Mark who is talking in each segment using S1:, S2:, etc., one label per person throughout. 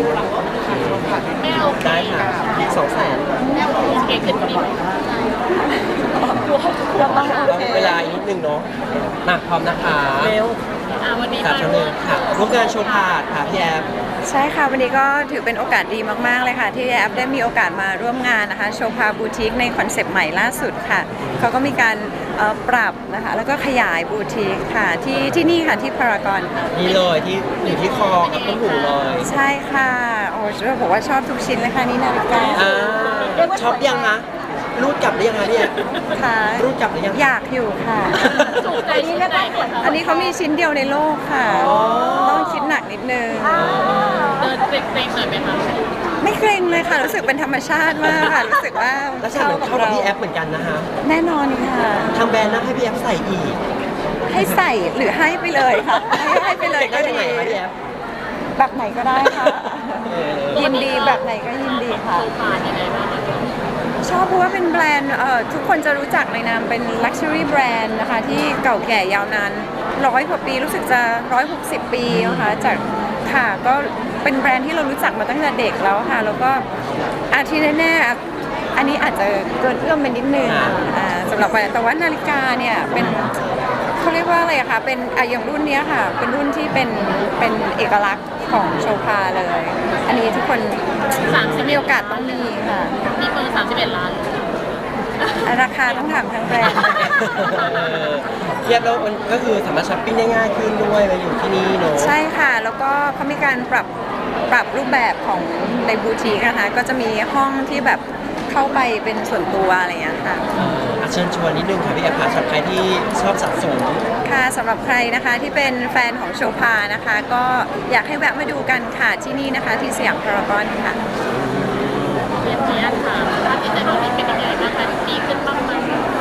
S1: แม่โอเค
S2: ได้ค่ะ200,000
S1: แม่โอเคขึ้นกว่านี้ไหม
S3: ก็ต้องโอเค
S2: เวลาอีกนิดนึงเนาะมาพร้อมนะคะเร็ว
S1: วันนี้
S2: ค่ะ
S1: มา
S2: ชั้นหนึ่งค่ะร่วมงานโชว์พาดค่ะพี่แอฟ
S3: ใช่ค่ะวันนี้ก็ถือเป็นโอกาสดีมากๆเลยค่ะที่แอปได้มีโอกาสมาร่วมงานนะคะโชว์พาบูติกในคอนเซปต์ใหม่ล่าสุดค่ะเขาก็มีการปรับนะคะแล้วก็ขยายบูติกค่ะที่นี่ค่ะที่พารากอน
S2: นี่เลยที่อยู่ที่คอกับต้นหูเลย
S3: ใช่ค่ะโอ้จะบอกว่าชอบทุกชิ้นเลยค่ะนี่นาฬิกา
S2: อ่าช็อปยังคะรูดกลับหรือยังคะพี่แอฟ
S3: ค่ะ
S2: รูดกลับหรือยัง
S3: อยากอยู่ค่ะ
S1: ถูกใจชิ้นไหนคะ
S3: อันนี้เขามีชิ้นเดียวในโลกค่ะ
S2: อ๋อ
S3: ต้องคิดหนักนิดนึง
S1: เดินเกรงๆหน่อยไหมคะ
S3: ไม่เกรงเลยค่ะ รู้สึกเป็นธรรมชาติมากค่ะ รู้สึกว่า
S2: แล้วใช่เหมือนเข้ากับพี่แอฟเหมือนกันนะคะ
S3: แน่นอนค่ะ
S2: ทางแบรนด์นะให้พี่แอฟใส่อีก
S3: ให้ใส่หรือให้ไปเลยค่ะ ให้ไปเลยก็
S2: ได้
S3: ดี
S2: ไหนคะพี่แอฟ
S3: แบบไหนก็ได้ค่ะ
S2: เออ
S3: ยินดีแบบไหนก็ยินดีค่ะ
S1: โชว์ผ่านยังไงบ้างคะ
S3: ชอบเพราะว่าเป็นแบรนด์ทุกคนจะรู้จักในนามเป็น Luxury Brand นะคะที่เก่าแก่ยาวนาน100 กว่าปีรู้สึกจะ160 ปีนะคะจากค่ะก็เป็นแบรนด์ที่เรารู้จักมาตั้งแต่เด็กแล้วค่ะแล้วก็ที่แน่ๆอันนี้อาจจะเกินเอื้อมไปนิดนึงสำหรับแบรนด์แต่ว่านาฬิกาเนี่ยเป็นเขาเรียกว่าอะไรอะคะเป็นอย่างรุ่นเนี้ยค่ะเป็นรุ่นที่เป็นเอกลักษณ์ของโชภาเลย อันนี้ทุกคนมีโอกาสต้องมีค่ะ
S1: มีเพิ่ง31 ล้าน
S3: ราคาต้องถามทางแบรนด์
S2: เทียบแล้วมันก็คือสามารถช้อปปิ้งได้ง่ายขึ้นด้วยมาอยู่ที่นี่เนอะ
S3: ใช่ค่ะ แล้วก็เขามีการปรับรูปแบบของในบูติกนะคะก็จะมีห้องที่แบบเข้าไปเป็นส่วนตัวอะไรอย่างเงี้ยค่ะ
S2: เชิญชวนนิดนึงค่ะพี่แอฟค่ะสำหรับใครที่ชอบสะสม
S3: ค่ะสำหรับใครนะคะที่เป็นแฟนของโชภานะคะ ก็อยากให้แวะมาดูกันค่ะที่นี่นะคะที่สยามพารากอนค่ะ
S1: เรียนนี้ถามภาพจิตใจน้องเป็นยังไงบ้างคะดีขึ้นบ้างไหม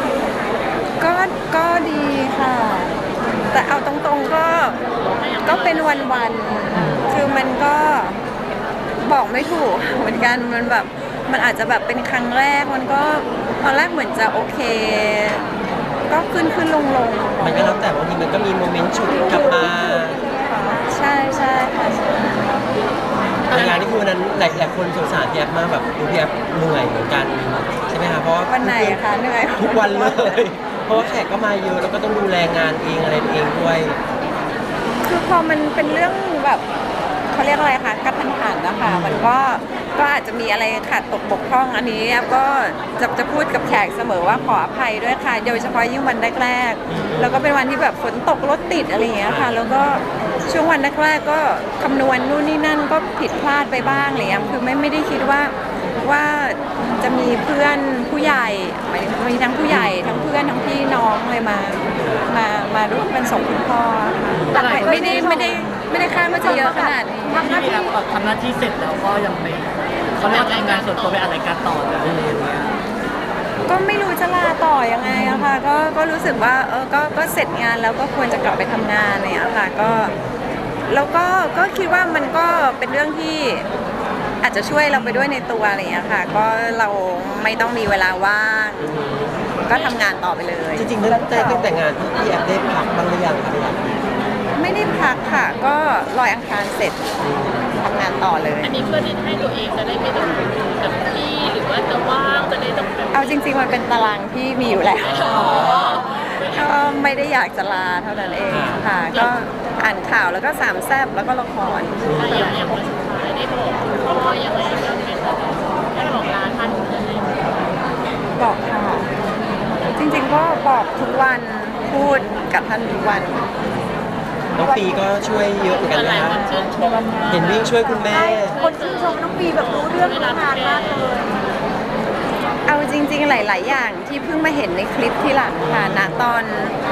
S3: ก็ดีค่ะ แต่เอาตรงๆก็เป็นวันๆคือมันก็บอกไม่ถูกเหมือนกันมันแบบมันอาจจะแบบเป็นครั้งแรกมันก็ตอนแรกเหมือนจะโอเค ก็ขึ้นลง
S2: มันก็แล้วแต่บางทีมันก็มีโมเมนต์ฉุดกลับมา
S3: ใช่ค่ะ
S2: ในงานนี่คือวันนั้นหลายคนสงสารพี่แอฟมากแบบดูพี่แอฟเหนื่อยเหมือนกันใช่ไหมคะเพราะว่า
S3: วันไหนอะคะเหนื่อย
S2: ทุกวันเลย เพราะว่าแขกก็มาเยอะแล้วก็ต้องดูแลงานเองอะไรเองด้วย
S3: คือพอมันเป็นเรื่องแบบเขาเรียกอะไรคะกระทันหันนะคะมันก็อาจจะมีอะไรขาดตกบกพร่องอันนี้ก็จะพูดกับแขกเสมอว่าขออภัยด้วยค่ะโดยเฉพาะยิ่งวันแรกๆแล้วก็เป็นวันที่แบบฝนตกรถติดอะไรอย่างเงี้ยค่ะแล้วก็ช่วงวันแรกๆก็คำนวณนู่นนี่นั่นก็ผิดพลาดไปบ้างอะไรเงี้ยคือไม่ได้คิดว่าจะมีเพื่อนผู้ใหญ่หมายถึงมีทั้งผู้ใหญ่ทั้งเพื่อนทั้งพี่น้องเลยมาร่วมกันส่งคุณพ่อค่ะไม่ได้คาดว่าจะเยอะขนาดนี้
S4: ที่เราทำหน้าที่เสร็จแล้วก็ยังไม่เขาเรียกว่าทำงานส่วนตัวไปอะไรายการต่อเลยอะไรอย่างเงี้ย
S3: ก็ไม่รู้จะลาต่อยังไงอะค่ะก็รู้สึกว่าก็เสร็จงานแล้วก็ควรจะกลับไปทำงานเนี่ยค่ะแล้วก็คิดว่ามันก็เป็นเรื่องที่อาจจะช่วยเราไปด้วยในตัวอะไรอย่างเงี้ยค่ะก็เราไม่ต้องมีเวลาว่าง ก็ทำงานต่อไปเลย
S2: จริงๆตั้งแต่งานพี่แอฟได้พักบ้างหรือยังคะพี่แอฟ
S3: ไม่ได้พักค่ะ ก็ลอยอังคารเสร็จทำงานต่อเลย
S1: อันนี้เพื่อที่ให้ตัวเองจะได้ไม่ต้องกับที่หรือว่าจะว่างจะได้ต้อง
S3: เอาจริงๆมันเป็นตารางที่มีอยู่แล้วก็ไม่ได้อยากจะลาเท่านั้นเองค่ะ ก็อ่านข่าวแล้วก็สามแซ่บแล้วก็ละคร
S1: อย่างวันสุดท้ายได้บอกคุณพ่อยังไงบ้างไหมคะได้บอกลาท่านยังไง
S3: บอกค่ะ จริงๆก็บอกทุกวันพูดกับท่านทุกวัน
S2: น้องปีก็ช่วยเยอะเหมือนกัน
S1: ห
S2: นะ
S1: ลาย
S2: คะ
S1: คนชื่นชม
S2: เห็นวิ่งช่วยคุณแม่
S3: คนชื่นชมน้องปีแบบรู้เรื่องรู้งานมากเลยเอาจริงๆหลายๆอย่างที่เพิ่งมาเห็นในคลิปที่หลังค่ะณตอน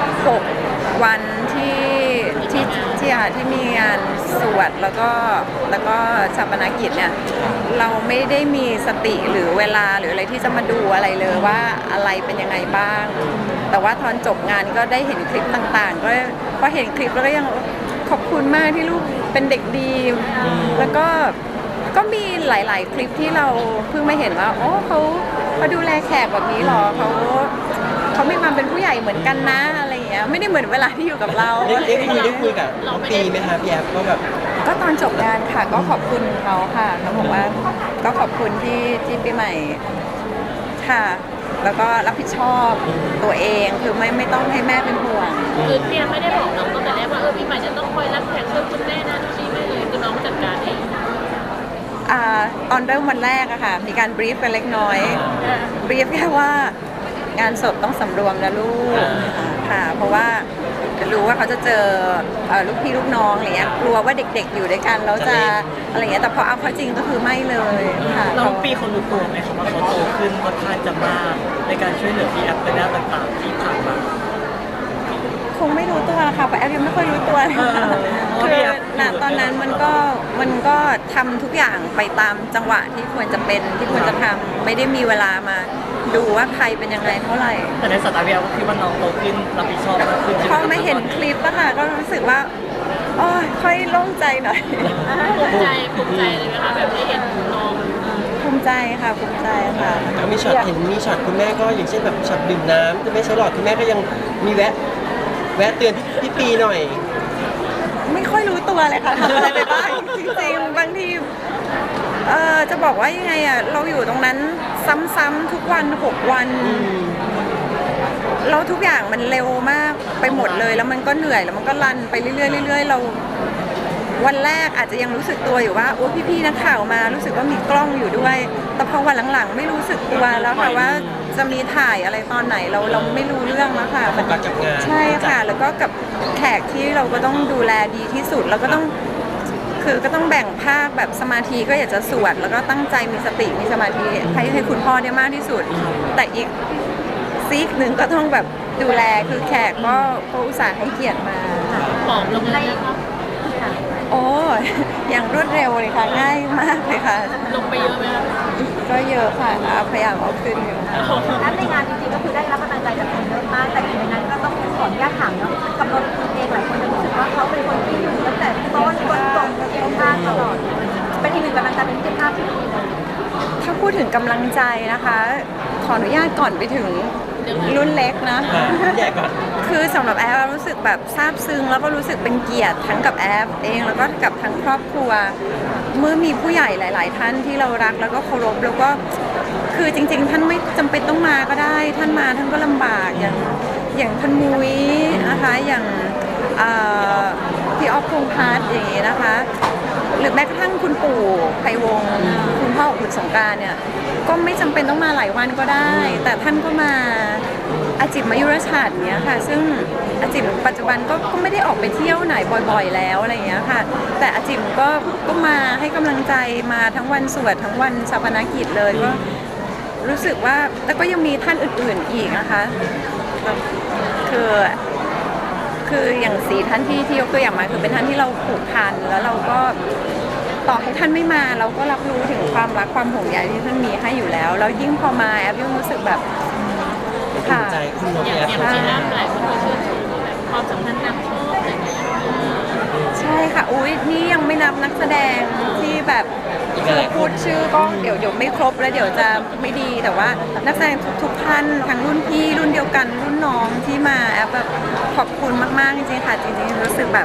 S3: 6 วันที่มีงานสวดแล้วก็ชาปนกิจเนี่ยเราไม่ได้มีสติหรือเวลาหรืออะไรที่จะมาดูอะไรเลยว่าอะไรเป็นยังไงบ้าง แต่ว่าตอนจบงานก็ได้เห็นคลิปต่างๆก็พอเห็นคลิปแล้วก็ยังขอบคุณมากที่ลูกเป็นเด็กดีแล้วก็มีหลายๆคลิปที่เราเพิ่งมาเห็นว่าโอ้เขาดูแลแขกแบบนี้หรอเขามีความเป็นผู้ใหญ่เหมือนกันนะอะไรอย่างเงี้ยไม่ได้เหมือนเวลาที่อยู่กับเรา
S2: ได้คุยกับน้องปีไหมคะพี่แอฟก็แบบ
S3: ก็ตอนจบงานค่ะก็ขอบคุณเขาค่ะเขาบอกว่าก็ขอบคุณที่ปีใหม่ค่ะ แล้วก็รับผิดชอบตัวเองคือไม่ต้องให้แม่เป็นห่วง
S1: คือพี่แอมไม่ได้บอกน้องตั้งแต่แรกว่าพี่ใหม่จะต้องคอยรับแขกช่วยคุณแม่นะที่ไม่เลยคือน้องจัดการเอง
S3: ตอนเริ่มวันแรกอะค่ะมีการบรีฟกันเล็กน้อยบรีฟแค่ว่างานศพต้องสำรวมนะลูกค่ะเพราะว่ารู้ว่าเขาจะเจอลูกพี่ลูกน้องอะไรเงี้ยกลัวว่าเด็กๆอยู่ด้วยกันแล้วจะอะไรเงี้ยแต่พอเอาเข้าจริงก็คือไม่เลยค่ะ
S4: น้องปีเขารู้ตัวไหมครับว่าเขาโตขึ้นค่อนข้างจะมากในการช่วยเหลือพี่แอฟในด้านต่างๆที่ผ่านมา
S3: คงไม่รู้ตัวละค่ะเพราะแอฟยังไม่ค่อยรู้ตัวเลยค่ะ
S4: เพราะ
S3: คื
S4: พี่
S3: อ
S4: แอฟ
S3: ณตอนนั้นมันก็ทำทุกอย่างไปตามจังหวะที่ควรจะเป็นที่ควรจะทำไม่ได้มีเวลามาดูว่าใครเป็นยังไงเท่าไหร่
S4: แต่ในสายตาพี่แอฟก็คิดว่าน้องโตขึ้นรับผิดชอบมากขึ้น
S3: พอมาเห็นคลิปอะค่ะก็รู้สึกว่าโอ้ยค่อยโล่งใจหน่อย
S1: ภูมิใจเลยไหมคะแบบได้เห็นน้อง
S3: ภูมิใจค่ะภูมิใจค่ะ
S2: แล้วมีช็อตเห็นมีช็อตคุณแม่ก็อย่างเช่นแบบช็อตดื่มน้ำจะไม่ใช้หลอดคุณแม่ก็ยังมีแวะเตือนพี่ปีหน่อย
S3: ไม่ค่อยรู้ตัวเลยค่ะทำอะไรไปบ้างจริงๆบางทีจะบอกว่ายังไงอะเราอยู่ตรงนั้นซ้ำๆทุกวัน6 วันแล้วทุกอย่างมันเร็วมากไปหมดเลยแล้วมันก็เหนื่อยแล้วมันก็รันไปเรื่อยๆเรื่อยๆเราวันแรกอาจจะยังรู้สึกตัวอยู่ว่าโอ้พี่ๆนักข่าวมารู้สึกว่ามีกล้องอยู่ด้วยแต่พอวันหลังๆไม่รู้สึกตัวแล้วค่ะว่าจะมีถ่ายอะไรตอนไหนเราไม่รู้เรื่องแล้วค่ะ
S2: โฟกัสกับงาน
S3: ใช่ค่ะ แล้วก็กับแขกที่เราก็ต้องดูแลดีที่สุดแล้วก็ต้องคือก็ต้องแบ่งภาคแบบสมาธิก็อยากจะสวดแล้วก็ตั้งใจมีสติมีสมาธิให้คุณพ่อได้มากที่สุด แต่อีกซีกหนึ่งก็ต้องแบบดูแลคือแขกก็อุตส่าห์ให้เกียรติมา
S1: ผอมลงเลยนะคะ
S3: โอ้อย่างรวดเร็วเลยค่ะง่ายมากเลยค่ะ
S1: ลงไปเยอะไหมคะ
S3: ก็เยอะค่ะพยายามเอาขึ้นอยู่ค่ะ
S5: แล้วในงานจริงๆก็คือได้รับกำลังใจจากคนเยอะมากแต่ในนั้นก็ต้องขออนุญาตถามเนาะกับนนท์เองหลายคนจะรู้สึกว่าเขาเป็นคนที่อยู่ตั้งแต่ต้นจนจบเองมากตลอดเป็นอีกหนึ่งกำลังใจเป็นมิตรภาพที่ดีเลย
S3: ถ้าพูดถึงกำลังใจนะคะ ขออนุญาตก่อนไปถึงรุ่นเล็กนะ
S2: รุ่นใหญ่ก่อน
S3: คือสำหรับแอฟรู้สึกแบบซาบซึ้งแล้วก็รู้สึกเป็นเกียรติทั้งกับแอฟเองแล้วก็กับทั้งครอบครัว เมื่อมีผู้ใหญ่หลาย ๆ ท่านที่เรารักแล้วก็เคารพแล้วก็คือจริง ๆ ท่านไม่จำเป็นต้องมาก็ได้ ท่านมาท่านก็ลำบากอย่างท่านมุ้ยนะคะอย่างพี่ออฟพงษ์พัฒน์อย่างนี้นะคะ หรือแม้กระทั่งคุณปู่ไพวงศ์คุณพ่อของคุณสงกรานต์เนี่ยก็ไม่จำเป็นต้องมาหลายวันก็ได้ แต่ท่านก็มาอาจิมมายุรชาติเนี้ยค่ะ ซึ่งอาจิมปัจจุบันก็ไม่ได้ออกไปเที่ยวไหนบ่อยๆแล้วอะไรอย่างเงี้ยค่ะ แต่อาจิมก็มาให้กำลังใจมาทั้งวันสวดทั้งวันชาปนกิจเลยก็รู้สึกว่าแล้วก็ยังมีท่านอื่นๆอีกนะคะคืออย่าง4 ท่านที่ยกตัวอย่างมาคือเป็นท่านที่เราผูกพันแล้วเราก็ต่อให้ท่านไม่มาเราก็รับรู้ถึงความรักความห่วงใยที่ท่านมีให้อยู่แล้วแล้วยิ่งพอมาแอฟยังรู้สึกแบบ
S2: ภู
S3: ค่ะ
S2: มิใจคุณน้อง
S1: อย่าง
S2: แอฟ
S1: อย่างที่น้ำหลายคนก็ชื่นชมแบบความสัมพันธ์นำโชคอะไรอย่างเงี้ย
S3: ใช่ค่ะอุ้ยนี่ยังไม่นับนักแสดงที่แบบคือพูดชื่อก็เดี๋ยวไม่ครบแล้วเดี๋ยวจะไม่ดีแต่ว่านักแสดงทุกท่านทั้งรุ่นพี่รุ่นเดียวกันรุ่นน้องที่มาแอฟแบบขอบคุณมากๆจริงๆค่ะจริงๆรู้สึกแบบ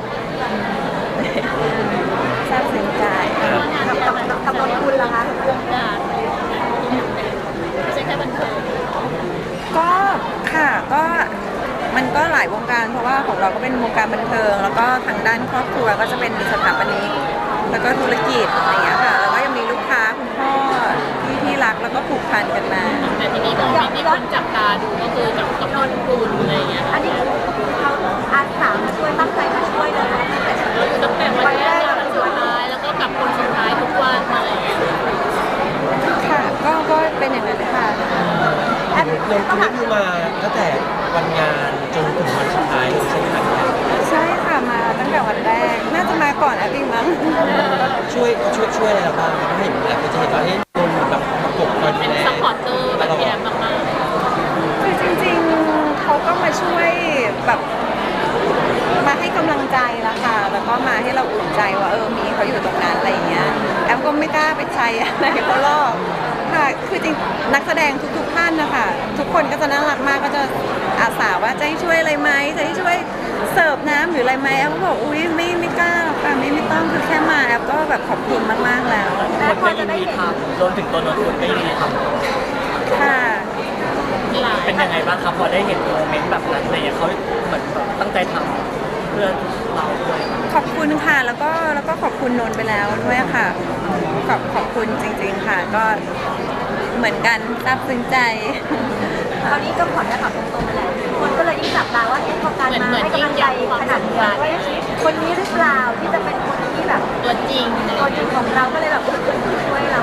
S3: ซาบซึ้งใจ
S5: กับนนท์คุณล่ะคะ
S1: วงการไม่ใช่แค่บันเทิง
S3: ก็ค่ะก็มันก็หลายวงการเพราะว่าของเราก็เป็นวงการบันเทิง แล้วก็ทางด้านครอบครัวก็จะเป็นสถาปนิกแล้วก็ธุรกิจอะไรอย่างเงี้ยค่ะแล้วก็ยังมีลูกค้าคุณพ่อที่รักแล้วก็ผูกพันกันมา
S1: แต่ทีนี้โมเมนต์ที่คนจับตาดูก็คือกับนนคุณอะไรอย่างเงี้ย
S5: อันนี้เขาอาสามาช่วยตั้งใจมาช่วยเลยนะตั้งแต่
S1: เราอยู่ตั้งแต่วันแรกจนวันสุดท้ายแล้วก็กับคนสุดท้ายทุกวันอะไรอย่างเงี้ย
S3: ค่ะก็เป็นอย่างนั้นค่ะ
S5: แอป
S2: นนท์คุณนี่คือมาตั้งแต่วันงานจนถึงวันสุดท้ายเลยใช่ไหมครับ
S3: ใช่ค่ะมาตั้งแต่วันแรกน่าจะมาก่อนแอปอีกมั้ง
S2: ช่วยอะไรเราบ้างครับเห็นแอฟจะเห็นว่าเอ๊ะนนท์แบบประกบคอยดู
S1: เป็น
S2: แล
S1: ซัพพอร์ตเตอร์แบบพี่แอมมาก
S3: คือจริงๆเขาก็มาช่วยแบบมาให้กำลังใจละค่ะแล้วก็มาให้เราอุ่นใจว่ามีเขาอยู่ตรงนั้นอะไรอย่างเงี้ยแอมก็ไม่กล้าไปใช้อะไรเขาหรอกค่ะคือจริงนักแสดงทุกท่านนะคะทุกคนก็จะน่ารักมากก็จะอาสาว่าจะให้ช่วยอะไรไหมจะให้ช่วยเสิร์ฟน้ำหรืออะไรไหมแอฟก็บอกอุ้ยไม่กล้าหรอกค่ะไม่ต้องคือแค่มาแอฟก็แบบขอบคุณมากๆแล้ว
S4: คนก็ยินดีทำรวมถึงตัวนนท์คุณก็ยินดีทำ
S3: ค่ะ
S4: เป็นยังไงบ้างครับพอได้เห็นโมเมนต์แบบนั้นอะไรอย่างเงี้ยเขาเหมือนแบบตั้งใจทำเพื่อเราด้วย
S3: ขอบคุณค่ะแล้วก็ขอบคุณนนท์ไปแล้วด้วยค่ะขอบคุณจริงๆค่ะก็เหมือนกันซาบซึ้งใจ
S5: คราวนี้ก็ขอจะถามตรงๆเลยคนก็เลยยิ่งจับตาว่าพอการมาให้กำลังใจขนาดนี้ว่าคนนี้หรือเปล่าที่จะเป็นคนที่แบบ
S1: ตัวจริง
S5: ตัวจริงของเราก็เลยแบบช่วยเรา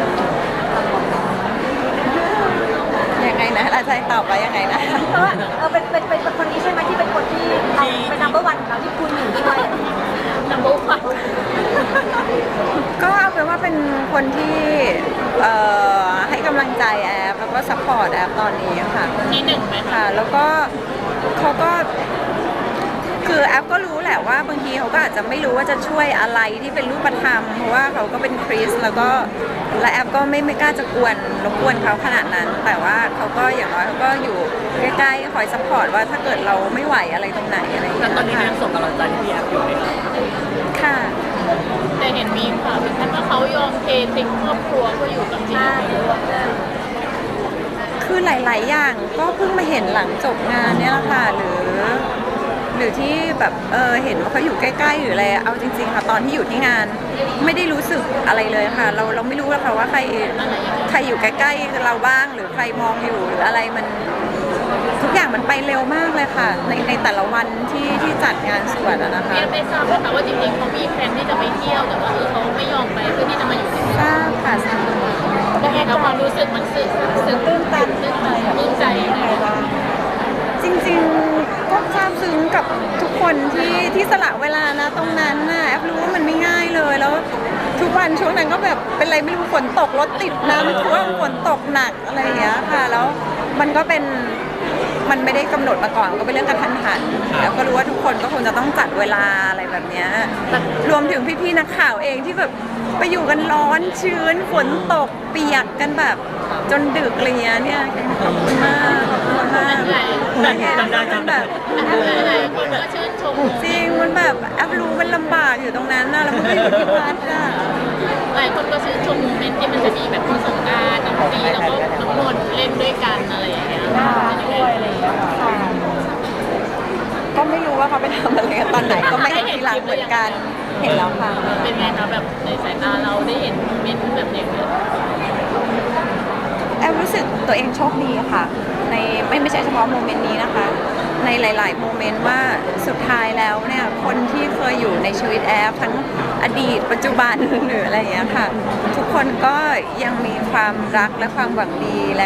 S3: ยังไงนะอาจารย์ตอบว่ายังไงนะ
S5: เพราะว่าเป็นคนนี้ใช่ไหมที่เป็นคนที่เอาเป็น number one ของเราที่คุณอยู่ด้วย
S1: นัมเบอร์วัน
S3: ก็เอาเป็นว่าเป็นคนที่ให้กำลังใจแอฟแล้วก็ซัพพอร์ตแอฟตอนนี้ค่ะ
S1: ที่หนึ่งไหมคะ
S3: ค่ะ แล้วก็เขาก็คือแอฟก็รู้แหละว่าบางทีเขาก็อาจจะไม่รู้ว่าจะช่วยอะไรที่เป็นรูปธรรมเพราะว่าเขาก็เป็นคริสต์แล้วก็และแอฟก็ไม่กล้าจะรบกวนเขาขนาดนั้น แต่ว่าเขาก็อย่างน้อยเขาก็อยู่ใกล้ๆคอยซัพพอร์ตว่าถ้าเกิดเราไม่ไหวอะไรตรงไหนอะไรอย่าง
S4: แล้
S3: เงี้
S4: วย ตอนนี้
S3: ค่ะ
S4: ยังส่งกำลังใจให้พี่แอฟอยู่ไหมครับ
S3: ค่ะ
S1: แต่เห็นมีข่าวถึงขั้นว่าเขายอมเททิ้งครอบครัวเพื่ออยู่กับพี่
S3: คือหลาย ๆ อย่างก็เพิ่งมาเห็นหลังจบงานเนี่ยแหละค่ะหรือที่แบบเห็นว่าเขาอยู่ใกล้ ๆ หรืออะไรเอาจริง ๆ ค่ะตอนที่อยู่ที่งานไม่ได้รู้สึกอะไรเลยค่ะ เราไม่รู้หรอกค่ะว่าใครอยู่ใกล้ ๆ เราบ้างหรือใครมองอยู่หรืออะไรมันทุกอย่างมันไปเร็วมากเลยค่ะ ในแต่ละวันที่จัดงานสวดอะนะคะ
S1: เรียกได้ทราบไหมคะว่าจริงๆเขามีแผนที่จะไปเที่ยวแต่ว่าเขาไม่ยอมไปเพื่อที่จะมาอยู่ที่นี่
S3: ทราบค่ะทราบ
S1: ยังไงคะความรู้สึกมันซึ้งตื้นตันตื้นใจยังไงบ้าง
S3: จริงๆก็ซาบซึ้งกับทุกคนที่สละเวลานะตรงนั้นน่ะแอฟรู้ว่ามันไม่ง่ายเลยแล้วทุกวันช่วงนั้นก็แบบเป็นอะไรไม่รู้ฝนตกรถติดน้ำท่วมฝนตกหนักอะไรอย่างเงี้ยค่ะแล้วมันก็เป็นมันไม่ได้กำหนดมาก่อนก็เป็นเรื่องกระทันหันแล้วก็รู้ว่าทุกคนก็คงจะต้องจัดเวลาอะไรแบบเนี้ยรวมถึงพี่ๆนักข่าวเองที่แบบไปอยู่กันร้อนชื้นฝนตกเปียกกันแบบจนดึกอะไรเงี้ยเนี่ยขอบคุณมากขอบคุณมาก มันแบบ
S1: หลายคนก็ชื่นชม
S3: จริงมันแบบแอปรู้มันลำบากอยู่ตรงนั้นนะแล้วมันก็อยู่ที่วัดอะ
S1: หลายคนก็ชื่นชมโมเมนต์ที่มันจะมีแบบคุณสงกรานต์น้องปีแล้วก็น้องนนท์เล่นด้วยกันอะไรอย่างเงี้ยด้วยอะไรอย่างเงี้ย
S3: ค่ะก็ไม่รู้ว่าเขาไปทำอะไรกันตอนไหนก็ไม่เห็นทีหลังเหมือนกันเห็นแล้วค่ะ
S1: เป็นไงคะแบบในสายตาเราได้เห็นโมเมนต์แบบอย่างเงี้ย
S3: แอปรู้สึกตัวเองโชคดีค่ะในไม่ใช่เฉพาะโมเมนต์นี้นะคะ ในหลาย ๆ โมเมนต์ว่าสุดท้ายแล้วเนี่ยคนที่เคยอยู่ในชีวิตแอปทั้งอดีตปัจจุบันหรืออะไรอย่างเงี้ยค่ะ ทุกคนก็ยังมีความรักและความหวังดีและ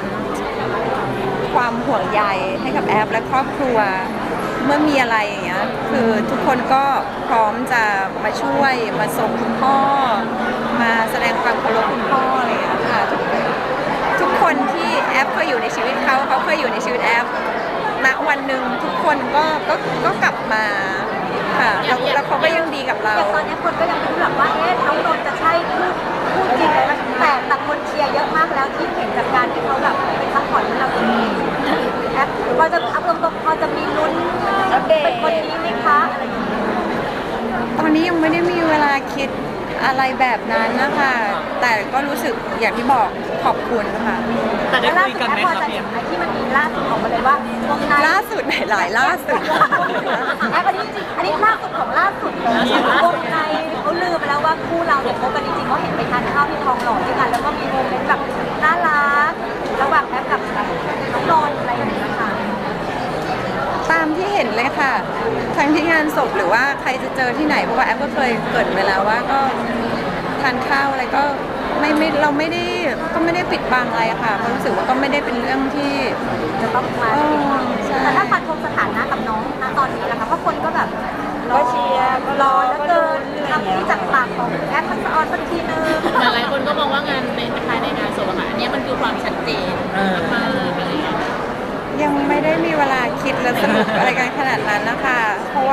S3: ความห่วงใยให้กับแอปและครอบครัวเมื่อมีอะไรอย่างเงี้ยคือทุกคนก็พร้อมจะมาช่วยมาส่งคุณพ่อ มาแสดงความเคารพคุณพ่ออะไรอย่างเงี้ยค่ะทุกคนที่แอปเคยอยู่ในชีวิตเขาเคยอยู่ในชีวิตแอปณวันหนึ่งทุกคนก็กลับมาค่ะแล้วเขาก็ยังดีกับเรา
S5: อย่างตอนนี้คนก็ยังไม่รู้หรอกว่าน้องนนท์จะใช่พูดจริงไหมแต่คนเชียร์เยอะมากแล้วที่เห็นจากการที่เขาแบบไปพักผ่อนให้เราตรงนี้แอปพอจะอัพลงตรงพอจะมีลุ้นเป็นคนนี้ไหมคะอะไรอย่างเงี้ย
S3: ตอนนี้ยังไม่ได้มีเวลาคิดอะไรแบบนั้นนะคะแต่ก็รู้สึกอย่างที่บอกขอบคุณค่ะ
S4: แต่ได้
S5: แล้วล่า
S4: คุย
S5: สุด
S4: กันไหม
S5: แอปพอ
S4: ครับ
S5: จะ
S4: พี่
S5: เห็
S4: แอน ฟ
S5: ไอ้ที่มันมีล่าสุดออกมาเลยว่าวงใน
S3: ล่าสุดไหนหลายล่าสุด
S5: แอปอันนี้ล่าสุดของล่าสุดของวงในเขาลือไปแล้วว่าคู่เราเนี่ยคบกันจริงๆเขาเห็นไปทานข้าวที่ทองหล่อด้วยกันแล้วก็มีโมเมนต์แบบน่ารักระหว่างแอปกับน้องนนท์อะไรอย่างเงี้ยค่ะ
S3: ตามที่เห็นเลยค่ะทั้งที่งานศพหรือว่าใครจะเจอที่ไหนเพราะว่าแอปก็เคยเกริดไปแล้วว่าก็ทานข้าวอะไรก็เราไม่ได้ปิดบังอะไรค่ะเพราะรู้สึกว่าก็ไม่ได้เป็นเรื่องที่
S5: จะต้องมา
S3: ใช่
S5: แต่ถ้าฟันธงสถานะกับน้องณตอนนี้นะคะเพราะคนก็แบบรอเชียร์รอแล้วเกินคำที่จากปากของแอปทักษะออนสักทีนึง
S1: หลายคนก็มองว่างานในภายในงานศพอะค่ะอันนี้มันคือความชัดเจนมากๆอะไรอย่างเงี้ย
S3: ยังไม่ได้มีเวลาคิดและสนุกอะไรกันขนาดนั้นนะคะ เพราะว่า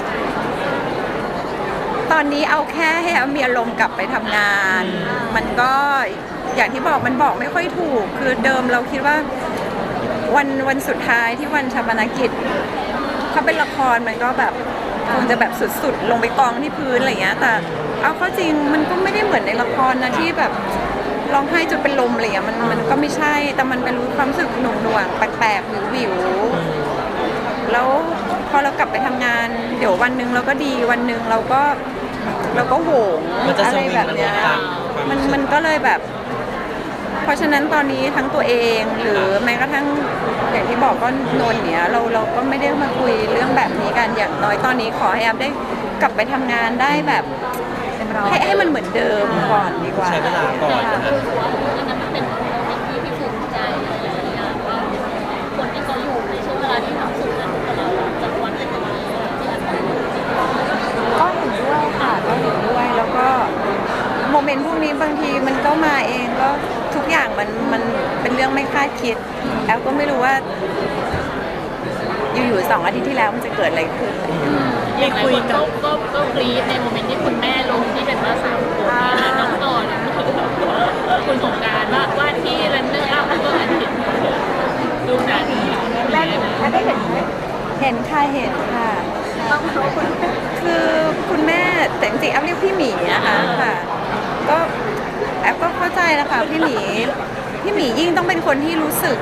S3: ตอนนี้เอาแค่ให้มีอารมณ์กลับไปทำงาน มันก็อย่างที่บอกมันบอกไม่ค่อยถูก คือเดิมเราคิดว่าวันสุดท้ายที่วันชาปนกิจคถ้าเป็นละครมันก็แบบคงจะแบบสุดๆลงไปกองที่พื้นอะไรอย่างเงี้ยแต่เอาเข้าจริงมันก็ไม่ได้เหมือนในละครนะที่แบบร้องไห้จนเป็นลมอะไรอย่างเงี้ยมันก็ไม่ใช่แต่มันเป็นความรู้สึกหน่วงๆแปลกๆวิวๆแล้วพอเรากลับไปทำงานเดี๋ยววันหนึ่งเราก็ดีวันหนึ่งเราก็โหง
S2: มันจะ
S3: อะ
S2: ส
S3: ไร
S2: วิง
S3: แบบเนี้ย
S2: ตามความ
S3: มันก็เลยแบบ เพราะฉะนั้นตอนนี้ทั้งตัวเองหรือแม้กระทั่งอย่างที่บอกก็นนท์เนี่ยเราก็ไม่ได้มาคุยเรื่องแบบนี้กันอย่างน้อยตอนนี้ขอให้แอฟได้กลับไปทำงานได้แบบให้มันเหมือนเดิมก่อนดีกว่า
S2: ใช้เวลาก่อนนะฮะ
S1: รู้สึกว่าอันนั้นมันเป็นสิ่งที่ภูมิใจอะไรอย่างเงี้ยว่าคนที่เขาอยู่ในช่วงเวลาที่ทำสุดนั้นกับเราจะวันเป็นยังไงที่อาจจะ
S3: ก็เห็นด้วยค่ะก็เห็นด้วยแล้วก็โมเมนต์พวกนี้บางทีมันก็มาเองก็ทุกอย่างมันเป็นเรื่องไม่คาดคิดแอฟก็ไม่รู้ว่า อยู่ๆ2 อาทิตย์ที่แล้วมันจะเกิดอะไรขึ้น
S1: อย่างไรคนก็กรี๊ดในโมเมนต์ที่คุณแม่ลงที่เป็นว่า3 คนน้องต่อเนี่ยคุณสงกรานต์ว่าที่รันเนอร์อัพแล้วก็อันเห็นดูนั้น
S5: แม่ได้เห็นไหม
S3: เห็นค่ะ
S5: ต้องรู้คุณ
S3: คือคุณแม่แต่จริงๆแอฟเรียกพี่หมีนะคะค่ะก็แอฟก็เข้าใจนะคะพี่หมียิ่งต้องเป็นคนที่รู้สึก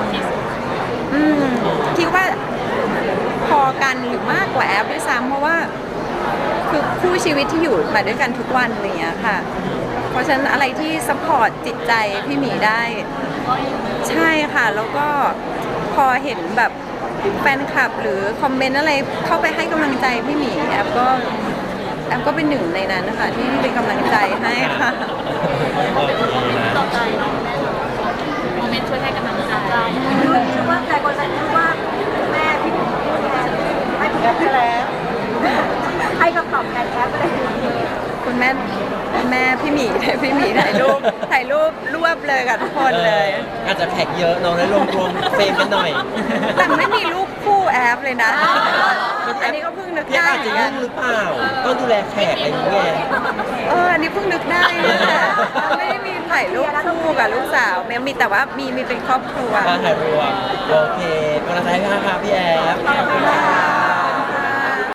S3: คิดว่าพอกันหรือมากกว่าแอฟด้วยซ้ำเพราะว่าคือคู่ชีวิตที่อยู่มาด้วยกันทุกวันอะไรอย่างเงี้ยค่ะ เพราะฉะนั้นอะไรที่ซัพพอร์ตจิตใจพี่หมีได้ ใช่ค่ะแล้วก็พอเห็นแบบแฟนคลับหรือคอมเมนต์อะไรเข้าไปให้กำลังใจพี่หมีแอฟก็เป็นหนึ่งในนั้นนะคะที่เป็นกำลังใจให้ค่ะ
S2: โอเคนะ
S1: ต่อใจน้องแม่โมเมนต์ช่วยให้กำลังใจ
S5: คือว่าแต่คนจะคิดว่าแม่พี่พูดแทนให้คุณแม่ไปแล้วให้คำตอบแทนแอปไปเลย
S3: คุณแม่พี่หมีถ่ายรูปรวบเลยกับทุกคนเลย
S2: อาจจะแท็กเยอะน้องได้รวมเฟรมกันหน่อย
S3: แต่ไม่มีรูปคู่แอปเลยนะ อันนี้ก็เพิ่งนึก
S2: พี่
S3: ได้
S2: อาจจะยุ่งหรือเปล่าต้องดูแลแขกอะไรอย่างเงี้ย
S3: อันนี้เพิ่งนึกได้นะไม่ได้มีถ่ายรูปคู่กับลูกสาวมีแต่ว่ามีเป็นครอบครัว
S2: ถ่ายรวมโอเคกำลังใจให้ค่ะพี่แอฟ
S3: ขอบคุณค่ะ